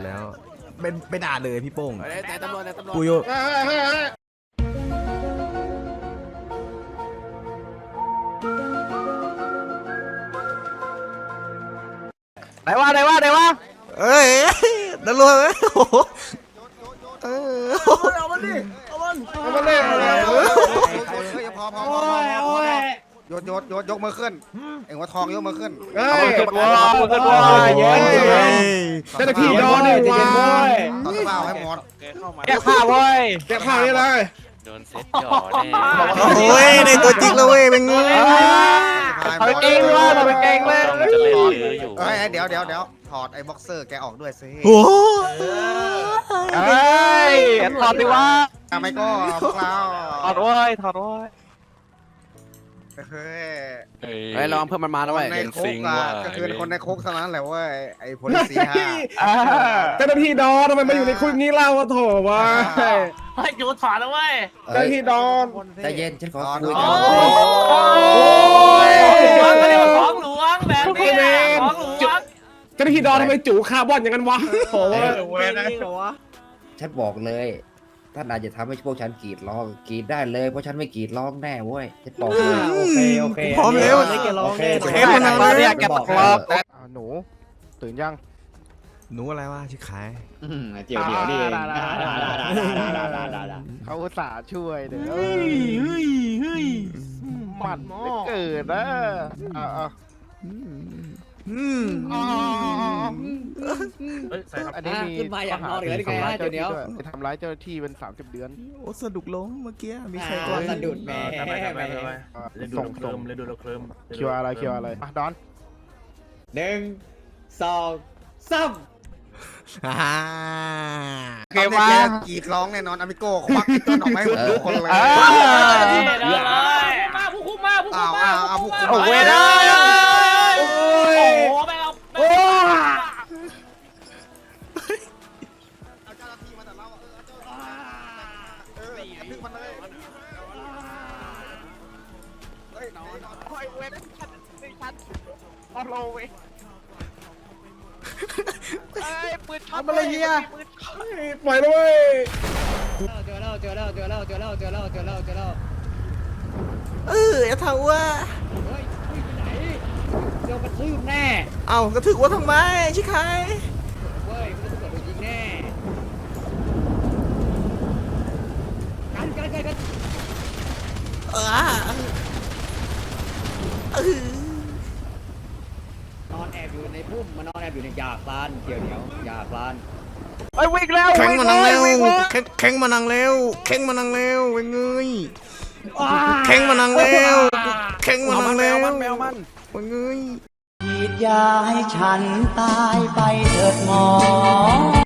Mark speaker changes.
Speaker 1: แล้วเป็นด่าเลยพี่โป้ง
Speaker 2: แต่ตำรวจ
Speaker 1: กูโย
Speaker 2: ไหนวะ
Speaker 1: เอ้ยตำรวจโอ้โห
Speaker 2: เอามันดิเอามัน
Speaker 3: พอโยกมือขึ้นเอ็งว่าทองยกมือขึ้น
Speaker 2: ขึ้นว้าเย้เจ้าหน้าที่โดนเลยว้าย
Speaker 3: ต่อสภาพให้หมด
Speaker 2: แก้ผ้าเว้ยแก้ผ้านี่เลย
Speaker 4: โดนเซ็ตจ่อแน่
Speaker 1: โอ้ยในตัวจริงแล้วเว้ยเป็นไง
Speaker 2: เอาไปเก่งเลยเอาไปเก่งเลย
Speaker 4: ต้องจะเล่นลืออยู่
Speaker 3: เดี๋ยวถอดไอ้บ็อกเซอร์แกออกด้วยสิ
Speaker 1: โอ้
Speaker 2: ยถอดดิวะ
Speaker 3: ทำไมก็พวกเรา
Speaker 2: ถอดว้ย
Speaker 3: เฮ้ย
Speaker 2: ลองเพิ่มมันมาแล้วเว้ย
Speaker 3: ในคุกก็คือคนในคุกเท่านั้นแหละเว้ยไอ้พลสีฮะ
Speaker 2: เจ้าหน้าที่ดอนทำไมมาอยู่ในคุกนี้เล่าโถวะ
Speaker 4: ให้จูถอดแล้วเว้ย
Speaker 2: เจ้าหน้าที่ดอน
Speaker 5: ใจเย็นฉันขอคุย
Speaker 4: โอ้ยของหลวงแบบนี้ของหลวง
Speaker 2: เจ้าหน้าที่ดอนทำไมจู่คาร์บอนอย่างนั้นวะโอ้ย
Speaker 5: ฉันบอกเลยท่านอาจจะทำให้พวกฉันกรีดร้องกรีดได้เลยเพราะฉันไม่กรีดร้องแน่เว้ยฉันบอกเลย
Speaker 1: โอเคพร้อมแล้ว
Speaker 2: แค่มันอะไรเนี่ยแกตกรอบหนูตื่นยัง
Speaker 1: หนูอะไรวะชื่อขาย
Speaker 5: เดี๋ยวนี่
Speaker 2: เขาอุตส่าห์ช่วยเด้อมันเกิดนะอันนี้มี
Speaker 5: ขึ้นมาอย่างนอนเหลือได้ไงฮะเดี๋ยว
Speaker 2: ทำร้ายเจ้าหน้าที่เป็น30 เดือน
Speaker 1: โอ้สะดุกล้มเมื่อกี้มีใคร
Speaker 5: ก่อนสะดุดแม่
Speaker 4: ส่งเ
Speaker 2: คิวอะไรดอน
Speaker 5: 1 2 3
Speaker 3: เกมว่ากรีดร้องแน่นอนอามิโก้ควักต้นออกมาให้ทุกคนเลย
Speaker 4: มาผู้คุมมาผู้คุม
Speaker 3: เอาผู้คุม
Speaker 2: โอ้เว้ยได้
Speaker 4: โอ้ไปเอา
Speaker 2: โอ้
Speaker 3: เจ้าหน้าที่มาแต่เราดึงมันเลยเฮ้ยนอน
Speaker 2: เว้ยชัดออโลเว้ยปืนช็อตอะไรเงี้ยปล่อยเลย
Speaker 5: เจอแล้ว
Speaker 1: อย่าทำว่า
Speaker 5: เฮ้ยไปไหนเดี๋ยวกระทืบแน่
Speaker 1: เอากระถึกว่าทำไมชิคาย
Speaker 5: เฮ้ยมันจะเกิดโดนยิงแน่กันนอนแอบอยู่ในพุ่มมันนอนแอบอยู่ในยาคลานเดี๋ยวหญ้าคลาน
Speaker 2: ไอ้วิ่งแล้ว
Speaker 1: แข้งมานังเร็วแข้งมานังเร็วเว้ยเงยแข้งมานังเร็วเว้ยเงย
Speaker 5: ฉีดยาให้ฉันตายไปเถิดหมอ